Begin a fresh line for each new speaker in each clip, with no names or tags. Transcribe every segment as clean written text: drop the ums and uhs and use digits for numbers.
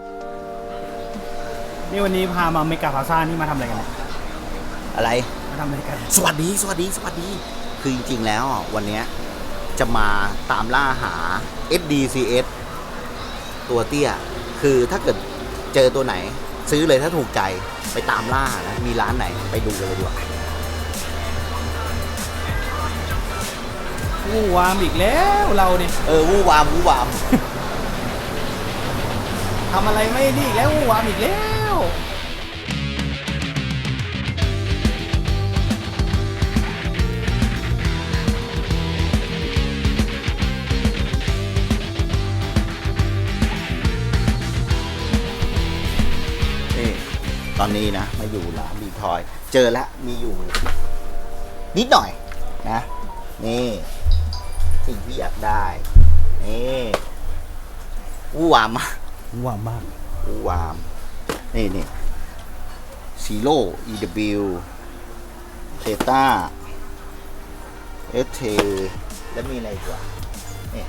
นี่วันนี้พามาเมกาพลาซ่านี่มาทำอะไรกันเนี่ย
อะไร
มาทำอะไรกัน
สวัสดีคือจริงๆแล้ววันนี้จะมาตามล่าหา SDCS ตัวเตี้ยคือถ้าเกิดเจอตัวไหนซื้อเลยถ้าถูกใจไปตามล่านะมีร้านไหนไปดูกันเลยดีกว่า
วู้วามอีกแล้วเราเนี่ย
วู้วาม
ทำอะไรไม่ดีอีกแล้ววู้วามอีกแล้ว
นี่ตอนนี้นะมาอยู่ร้านดีทอยเจอแล้วมีอยู่นิดหน่อยนะนี่สิ่งที่อยากได้นี่วู้วาม
วู้วามมาก
วู้วามนี่ซีโร่ EW เทต้า ST แล้วมีอะไรอีกวะนี่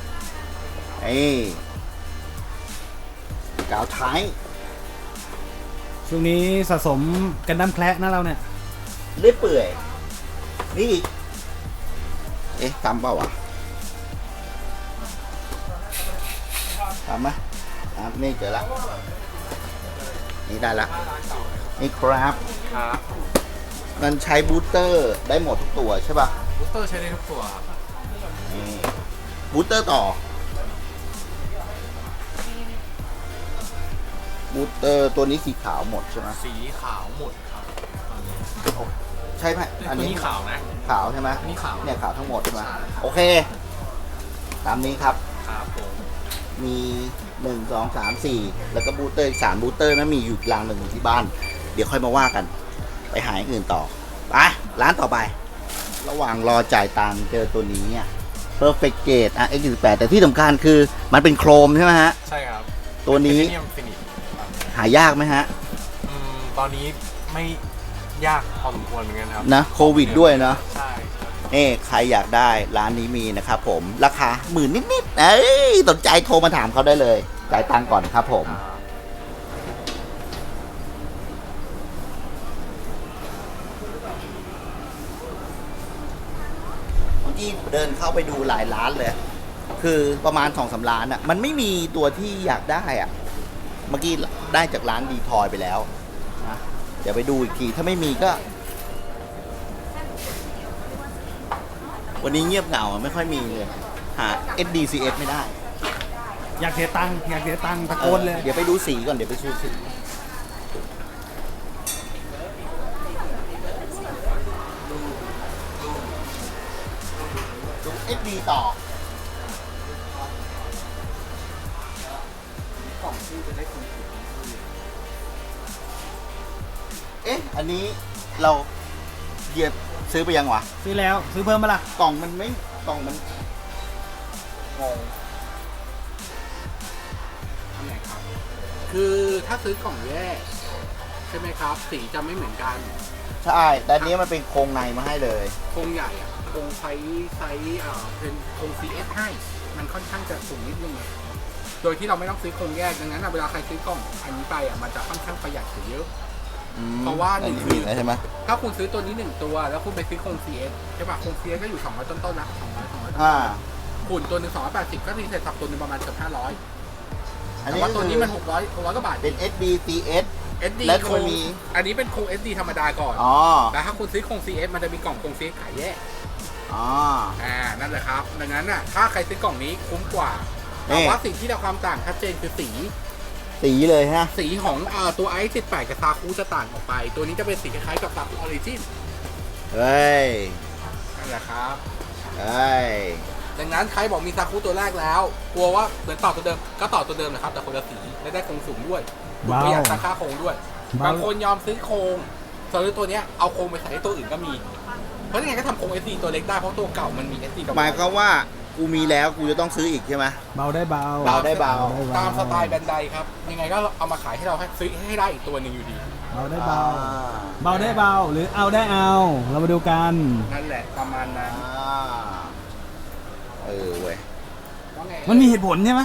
กาวท้าย
ช่วงนี้สะสมกันดั้มแคละนะเราเนี่ย
เรื่อยเปื่อยนี่อีกตามเปล่าวะตามไหมตามนี่เจอละนี่ได้ละนี่ครับมันใช้บูสเตอร์ได้หมดทุกตัวใช่ป่ะ
บูสเตอร์ใช้ได้ทุกตัวครับ
นี่บูสเตอร์ต่อบูสเตอร์ตัวนี้สีขาวหมดใช่ไหม
สีขาวหมดครับ
ใช่ไหม
อันนี้ขาวนะ
ขาวใช่ไหม
อันนี้ขาว
เนี่ยขาวทั้งหมดใช่ไหม
ใช่
โอเคตามนี้ครับ
ครับผม
มี1 2 3 4แล้วก็บูสเตอร์อีก3บูสเตอร์นะมีอยู่รางหนึ่งอยู่ที่บ้าน เดี๋ยวค่อยมาว่ากัน ไปหาอย่างอื่นต่อไปร้านต่อไป ระหว่างรอจ่ายตังค์เจอตัวนี้เนี่ย Perfect Gate X18 แต่ที่สำคัญคือมันเป็นโครมใช่ไหมฮะ
ใช่ครับ
ตัวนี้
เนียมฟินิช
หายากไหมฮะ
ตอนนี้ไม่ยากพอสมควรเหมือนกันครับ
นะโควิดด้วยเนาะ
ใช่
ใครอยากได้ร้านนี้มีนะครับผมราคา10,000นิดๆสนใจโทรมาถามเขาได้เลยจ่ายตังค์ก่อนครับผม เมื่อกี้เดินเข้าไปดูหลายร้านเลย คือประมาณ2-3ร้านอ่ะ มันไม่มีตัวที่อยากได้อ่ะ เมื่อกี้ได้จากร้านดีทอยไปแล้วนะเดี๋ยวไปดูอีกที ถ้าไม่มีก็ วันนี้เงียบเหงาไม่ค่อยมีเลย หา SDCS ไม่ได้
อยากเสียตังค์ตะโกนเลย
เดี๋ยวไปดูสีก่อน เดี๋ยวไปดูสีดู SD ต่อ อันนี้เราเหยียบซื้อไปยังวะ
ซื้อแล้วซื้อเพิ่มมาล่ะ
กล่องมันไม่กล่องมันงง
อันไหนครับ คือถ้าซื้อกล่องแยกใช่ไหมครับ สีจะไม่เหมือนกัน
ใช่ แต่อันนี้มันเป็นโครงในมาให้เลย
โครงใหญ่อะโครงไซส์เป็นโครง CS ให้ มันค่อนข้างจะสูงนิดนึงโดยที่เราไม่ต้องซื้อโครงแยก ดังนั้นอะเวลาใครซื้อกล่องอันนี้ไปอะมันจะค่อนข้างประหยัดกว่าเยอะ เพราะว่าหนึ่ง
มีแล้วใช่ไหม
ถ้าคุณซื้อตัวนี้1ตัว แล้วคุณไปซื้อโครง CS ใช่ป่ะ โครง CS ก็อยู่200ต้นๆละ200ต้น
อ่า
หุ่นตัวหนึ่ง280ก็รีเซ็ตสับตัวหนึงประมาณเกือบ500
อัน
แต่
นี้
ว่าตัวนี้มัน600กว่าบาท
เป็น SDCS
SD
แล้ว
โค
ก็
รง
มี
อันนี้เป็นโครง SD ธรรมดาก่อน
อ๋อ
แต่ถ้าคุณซื้อโครง CS มันจะมีกล่องโครง CS ขายแยก
อ๋อ
นั่นแหละครับ ดังนั้นน่ะ ถ้าใครซื้อกล่องนี้คุ้มกว่า
นี่
แต่ว่าสิ่งที่เราความต่างชัดเจนคือสี
สีเลยฮะ
สีของตัวไอซ์18กับซาคุจะต่างออกไป ตัวนี้จะเป็นสีคล้ายๆกับซาคุออริจิน
เฮ้ย
นั่นแหละครับ
เฮ้ย
ดังนั้นใครบอกมีซาคุตัวแรกแล้ว กลัวว่าเหมือนต่อตัวเดิม ก็ต่อตัวเดิมนะครับ แต่คนละสีและได้โครงสูงด้วย
เบา
ประหยัดราคาโครงด้วย
เบา
บางคนยอมซื้อโครงซื้อตัวเนี้ยเอาโครงไปใส่ให้ตัวอื่นก็มี เพราะยังไงก็ทำโครง SD ตัวเล็กได้ เพราะตัวเก่ามันมี SD กับ
หมายความว่ากูมีแล้วกูจะต้องซื้ออีกใช่ไหม
เบาได้เบา
เบาได้เบา
ตามสไตล์แบรนด์ใดครับ ยังไงก็เอามาขายให้เราให้ซื้อให้ได้อีกตัวหนึ่งอยู่ดี
เบาได้เบา เบาได้เบาหรือเอาได้เอา เรามาดูกัน
นั่นแหละประมาณนั้น
เว้ย
ว่าไง
มันมีเหตุผลใช่ไหม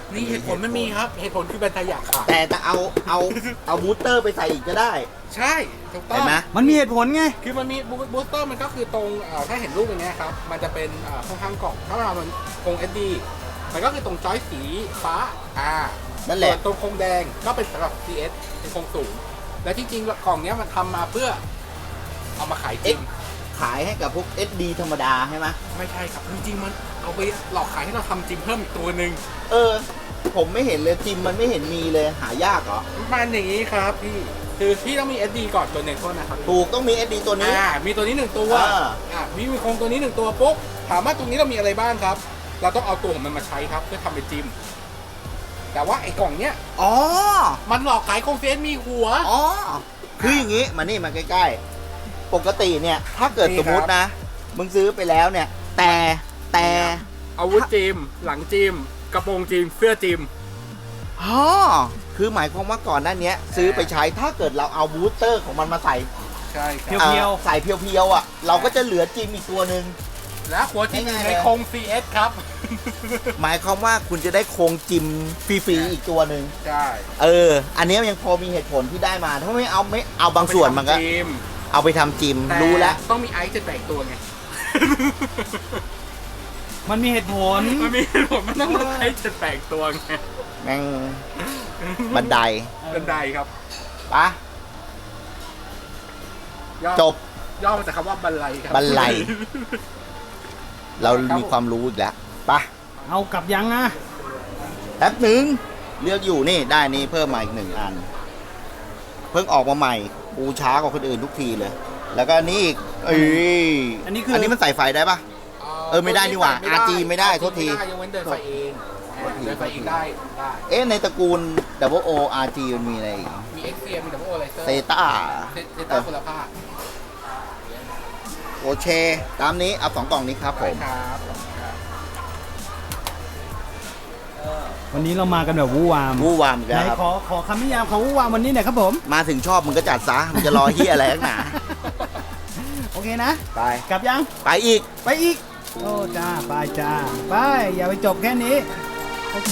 นี่เหตุผลมันมีครับ เหตุผลคือแบรนด์ไทยอยากขาย
แต่เอาบูสเตอร์ไปใส่อีกก็ได้
ใช่ถูกต้อ
เห็
ง
นไหม
มันมีเหตุผลไง
คือมันมีบูสเตอร์มันก็คือตรงถ้าเห็นรูปอย่างเงี้ยครับ มันจะเป็นข้างๆกล่อง ถ้าเรามันโครง SD มันก็คือตรงจอยสีฟ้า
นั่นแหละ
ส่วนตรงโครงแดงก็เป็นสำหรับ CS เป็นโครงสูง และที่จริงกล่องเนี้ยมันทำมาเพื่อเอามาขายจริง
ขายให้กับพวก SD ธรรมดาใช่ไหม
ไม่ใช่ครับจริงๆมันเอาไปหลอกขายให้เราทำจิมเพิ่มอีกตัวหนึ่ง
ผมไม่เห็นเลยจิมมันไม่เห็นมีเลยหายากเหรอ
มันอย่างนี้ครับพี่คือพี่ต้องมี SD ก่อนตัวหนึ่งโทษนะครับ
ถูกต้องมี SD ตัวนี้
มีตัวนี้หนึ่งตัว มีโครงตัวนี้หนึ่งตัวปุ๊บถามว่าตรงนี้เรามีอะไรบ้างครับ เราต้องเอาตัวของมันมาใช้ครับเพื่อทำเป็นจิมแต่ว่าไอ้กล่องเนี้ย
อ๋อ
มันหลอกขายโครงเฟสมีหัว
อ๋อ คืออย่างงี้มานี่มาใกล้ๆ ปกติเนี่ย ถ้าเกิด
นี่
ส
ครับ
มมตินะ มึงซื้อไปแล้วเนี่ย แต่
อาวุธจิมหลังจิมกระโปรงจิมเสื้อจิม
อ๋อคือหมายความว่าก่อนหน้านี้ซื้อไปใช้ถ้าเกิดเราเอาบูสเตอร์ของมันมาใส่
ใช่ค
เพี
รับ
ยว
ใส่เพียวๆอ่ะ เราก็จะเหลือจิมอีกตัวหนึ่ง
และหัวจิมอยู่
ง่ายๆ
ใน
เลย
โครง CS ครับ
หมายความว่าคุณจะได้โครงจิมฟรีๆอีกตัวหนึ่ง
ใช่
อันนี้ยังพอมีเหตุผลที่ได้มา ถ้าไม่เอาบางส่วนมันก็
จิม
เอาไปทำจิม
แต่
รู้แล้ว
ต้องมีไอซ์จะแตกตัวไง
ๆ มันมีเหตุผล
มันมีผมมันต้องไอซ์จะแตกตัวไง
แม่งบันได
บันไดครับ
ปะ
ย่อ
จบ
ย่อมาจากคำว่าบันไลครับ
บันไล เรามีความรู้อีกแล้วปะ
เอากลับยังอ่ะ
แป๊บหนึ่งเลือกอยู่นี่ได้นี่เพิ่มมาอีก1 อัน เพิ่งออกมาใหม่กูช้ากว่าคนอื่นทุกทีเลย แล้วก็อันนี้อีกอันนี้มันใส่ไฟได้ปะ ไม่ได้นี่หว่า RG ไม่ได้โทษที
ยังเว้นเดินไฟเองเดินไฟเองได้
ในตระกูล Double O RG มันมีอะไรอีก
มี XCM มี Double O Laser
เซต้า
เซต้าคุณภาพ
โอเค ตามนี้เอา2 กล่องนี้ครับผม
ครับ
วันนี้เรามากันแบบวู่วาม
วู่วามอีก
ไหน
แล้วครับ
ขอคำนิยามของวู่วามวันนี้หน่อยครับผม
มาถึงชอบมึงก็จัดซะมึงจะรอเฮียอะไรนักหนา
โอเคนะ
ไป
กลับยัง
ไปอีก
ไปอีก โอ้จ้า ไปจ้า ไป อย่าไปจบแค่นี้ โอเค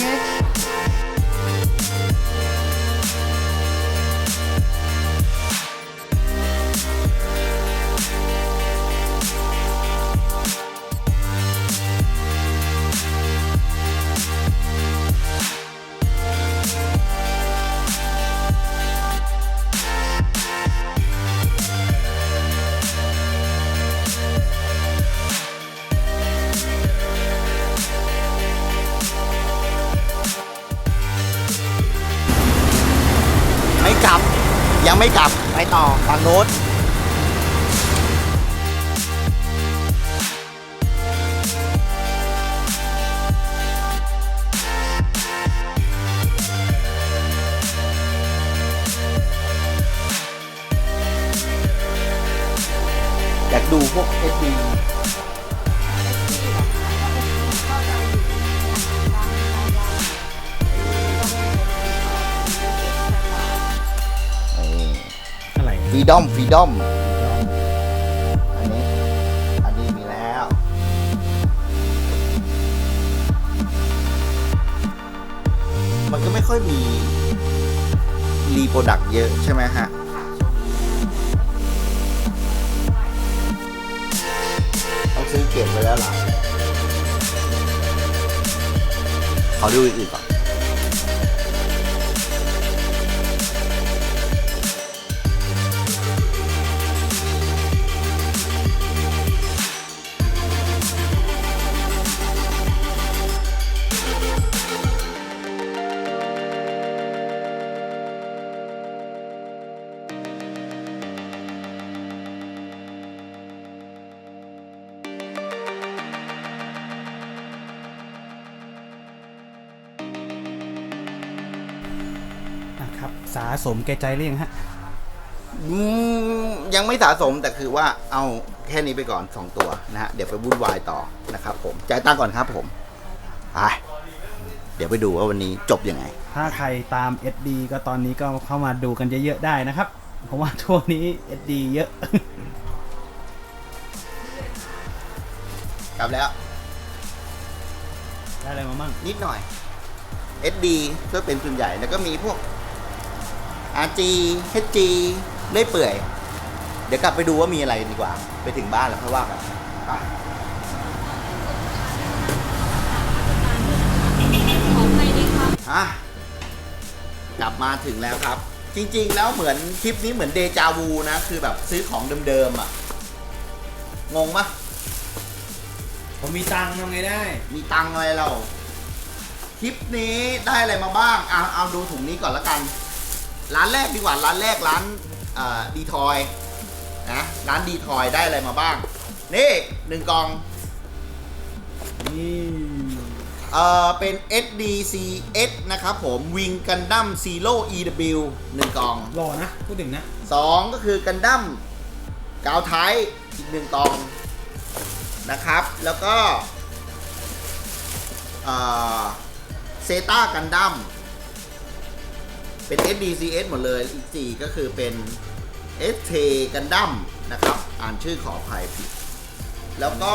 ไม่กลับ ยังไม่กลับ ไปต่อฝั่งโน้นอยากดูพวก SD
อะไร
ฟรีดอมอันนี้มีแล้ว มันก็ไม่ค่อยมีรีโปรดักต์เยอะใช่ไหมฮะ ต้องซื้อเก็บไว้แล้วล่ะ ขอดูอื่นๆก่อน
นะครับ สะสมแก่ใจหรือยังฮะ
ยังไม่สะสมแต่คือว่าเอาแค่นี้ไปก่อน 2 ตัวนะฮะ เดี๋ยวไปวุ่นวายต่อนะครับผมจ่ายตังค์ก่อนครับผมไปเดี๋ยวไปดูว่าวันนี้จบยังไง
ถ้าใครตาม SD ก็ตอนนี้ก็เข้ามาดูกันเยอะๆได้นะครับ เพราะว่าช่วงนี้ SD เยอะ
กลับแล้ว
ได้อะไรมามั่ง
นิดหน่อย SD ก็เป็นส่วนใหญ่แล้วก็มีพวก RG HG เลื่อยเปื่อย เดี๋ยวกลับไปดูว่ามีอะไรดีกว่า ไปถึงบ้านแล้วค่อยว่ากันไปอ่ะกลับมาถึงแล้วครับ จริงๆแล้วเหมือนคลิปนี้เหมือนเดจาวูนะ คือแบบซื้อของเดิมๆอ่ะ งงปะ
ผมมีตังค์ทำไงได้
มีตังค์อะไรเรา คลิปนี้ได้อะไรมาบ้าง เอาดูถุงนี้ก่อนละกัน ร้านแรกดีกว่า ร้านแรกร้านดีทอยนะ ร้านดีทอยได้อะไรมาบ้าง นี่1 กล่อง
นี่
เป็น SDCS นะครับผมวิงกันดั้ม Zero EW 1 กล่อง
หล่อนะ พูดถึงนะ
2 ก็คือกันดั้มกาวไทยอีก1 กล่องนะครับ แล้วก็เซตากันดั้มเป็น SDCS หมดเลย อีก 4 ก็คือเป็น ST กันดั้มนะครับ อ่านชื่อขออภัยผิด แล้วก็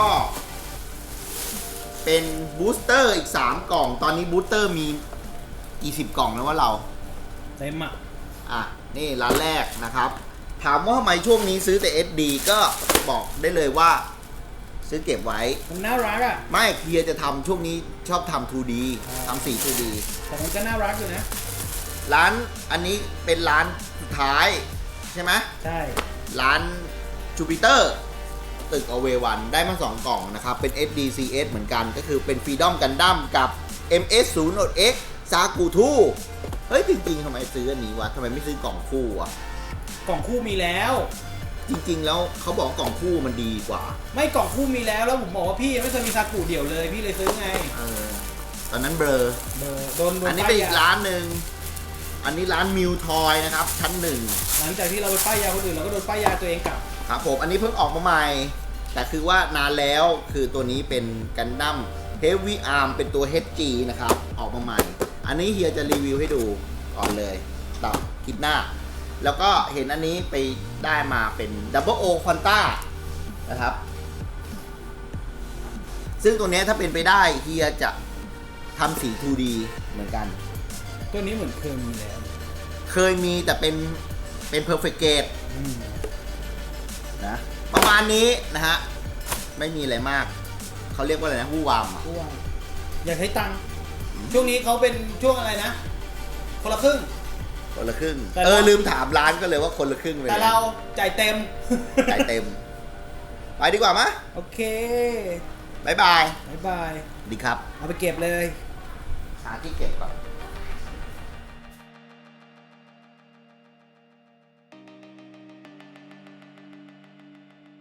เป็นบูสเตอร์อีก 3 กล่อง ตอนนี้บูสเตอร์มีกี่10 กล่องนะว่าเรา
เต็มอ่ะ
อ่ะ นี่ร้านแรกนะครับ ถามว่าทำไมช่วงนี้ซื้อแต่ SD ก็บอกได้เลยว่า ซื้อเก็บไว้
มันน่ารักอ่ะ
ไม่เฮียจะทำช่วงนี้ชอบทำ 2D ทำสี 2D
แต่มันก็น่ารักอยู่นะ
ร้านอันนี้เป็นร้านสุดท้ายใช่ไหม
ใช่
ร้านจูปิเตอร์ตึกอเววันได้มา 2 กล่องนะครับ เป็น SDCS เหมือนกันก็คือเป็น Freedom Gundam กับ MS-0X Sakutu เฮ้ย จริงๆทำไมซื้ออันนี้วะทำไมไม่ซื้อกล่องคู่วะ
กล่องคู่มีแล้ว
จริงๆแล้วเขาบอกว่ากล่องคู่มันดีกว่า
ไม่กล่องคู่มีแล้วแล้วผมบอกว่าพี่ยังไม่เคยมีซากุเดี่ยวเลย พี่เลยซื้อไง
ตอนนั้นเบลอ
โดน
อันนี้
ป้า
เป็น
ย
อีก
ยา
ร้านหนึ่ง อันนี้ร้านมิวทอยนะครับ ชั้น
หลังจากที่เราไปป้ายยาคนอื่นเราก็โดนป้ายยาตัวเองกลับ
1 ครับผม อันนี้เพิ่งออกมาใหม่ แต่คือว่านานแล้วคือตัวนี้เป็นกันดั้มเฮฟวี่อาร์มเป็นตัว HG นะครับ ออกมาใหม่ อันนี้เฮียจะรีวิวให้ดูก่อนเลยต่อคลิปหน้า แล้วก็เห็นอันนี้ไปได้มาเป็น Double O Quanta นะครับ ซึ่งตัวเนี้ยถ้าเป็นไปได้เฮียจะทำสี 2D เหมือนกัน
ตัวนี้เหมือนเคยมีแล้ว
เคยมีแต่เป็น perfect grade
อืม
นะประมาณนี้นะฮะ ไม่มีอะไรมาก เขาเรียกว่าอะไรนะวู้วามอ่ะ
เพราะว่าอยากใช้ตังค์ช่วงนี้เขาเป็นช่วงอะไรนะ คนละครึ่ง
คนละครึ่ง
แต่เรา
ลืมถามร้านก็เลยว่าคนละครึ่งเลย
แต่เราจ่ายเต็ม
จ่ายเต็ม ไปดีกว่ามะ
โอเค
บ๊ายบาย
บ๊ายบาย
ดีครับ
เอาไปเก็บเลย
หาที่เก็บก่อน